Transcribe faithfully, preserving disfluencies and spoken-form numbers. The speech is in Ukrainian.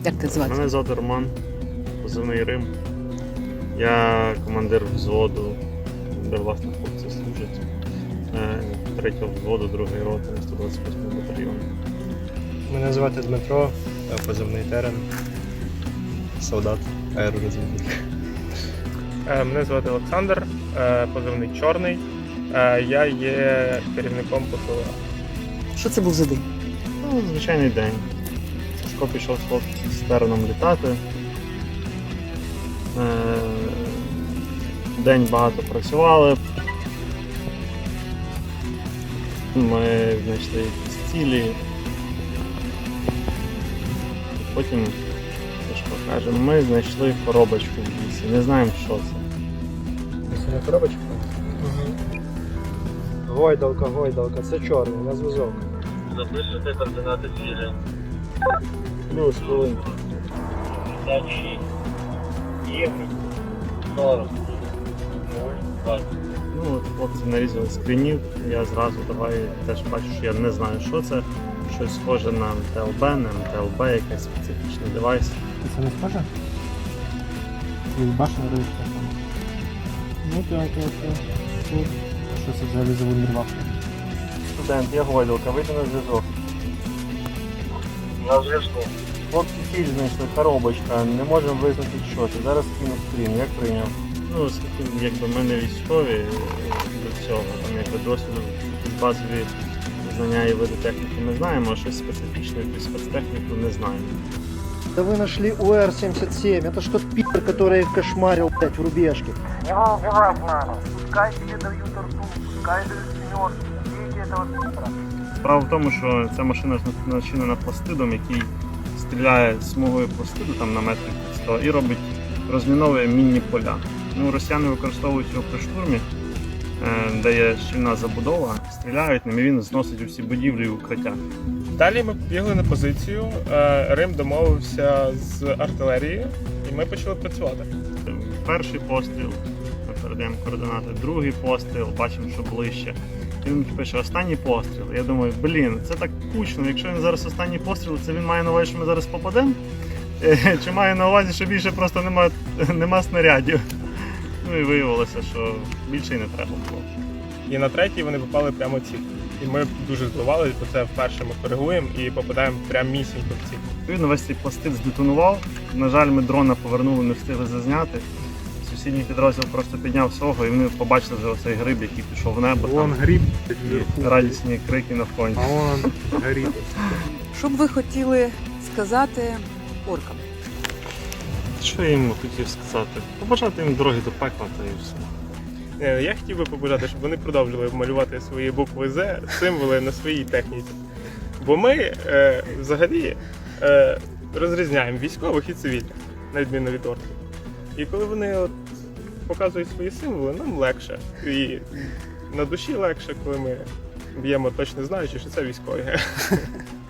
Як ти звати? Мене звати Роман, позивний Рим. Я командир взводу, де власне хлопці служать. Е, Третього взводу, другої роти, сто двадцять восьмого батальйону. Мене звати Дмитро, позивний Терен, солдат, аеророзвідник. Мене звати Олександр, позивний Чорний. Я є керівником ППО. Що це був за день? Ну, звичайний день. Сашко пішов з хлопцем з Тереном літати. Е, День багато працювали. Ми знайшли якісь цілі. Потім, Сашко каже, ми знайшли коробочку в лісі. Не знаємо, що це. Це коробочка? Угу. Гойдалка, гойдалка, це чорний, на зв'язок. Запишете координати цілі. Плюс хвилинку. п'ятдесят шість. Євро. сорок. двадцять. Ну от хлопці нарізали скрінів, я зразу давай теж бачу, що я не знаю, що це. Щось схоже на ем те ел бе, не ем те ел бе, якийсь специфічний девайс. Це не схоже? Башня ручка. Ну так, так, так. Що це взагалі за вундерваф? Студент, я гойдалка, вийди на зв'язок. На зв'язку. Хлопці ціль знайшли, коробочка, не можемо визначити, що це. Зараз кину скрін, як прийняв? Ну, оскільки якби ми не військові до цього, там якби досвіду, базові знання і види техніки ми знаємо, а щось специфічне, якусь спецтехніку не знаємо. Да вы нашли У Р семьдесят семь, это ж тот пи***, который кошмарил, блядь, в рубежке. Его убивать надо. Пускай тебе дают рту, пускай дают семерки. Убейте этого пи***а. Справа в тому, що ця машина начинена пластидом, який стріляє смугою пластиду там на метрів сто і робить, розміновує мінні поля. Ну, росіяни використовують його при штурмі, де є щільна забудова, стріляють ним і він зносить усі будівлі і укриття. Далі ми побігли на позицію, Рим домовився з артилерією і ми почали працювати. Перший постріл, ми передаємо координати, другий постріл, бачимо, що ближче. І він пише останній постріл. Я думаю, блін, це так кучно, якщо він зараз останній постріл, це він має на увазі, що ми зараз попадемо? Чи має на увазі, що більше просто нема, нема снарядів? Ну і виявилося, що більше й не треба було. І на третій вони попали прямо в ціль. І ми дуже здивувалися, бо це вперше ми коригуємо і попадаємо прямо місінько в ціль. Відповідно, весь цей пластид здетонував. На жаль, ми дрона повернули, не встигли зазняти. Сусідній підрозділ просто підняв свого і вони побачили вже оцей гриб, який пішов в небо. Вон Там, гриб. і радісні крики на фоні. А вон гриб. Що б ви хотіли сказати оркам? Що я їм хотів сказати? Побажати їм дороги до пекла та і все. Е, Я хотів би побажати, щоб вони продовжили малювати свої букви З, символи на своїй техніці. Бо ми е, взагалі е, розрізняємо військових і цивільних, на відміну від орків. І коли вони от показують свої символи, нам легше. І на душі легше, коли ми б'ємо точно знаючи, що це військові.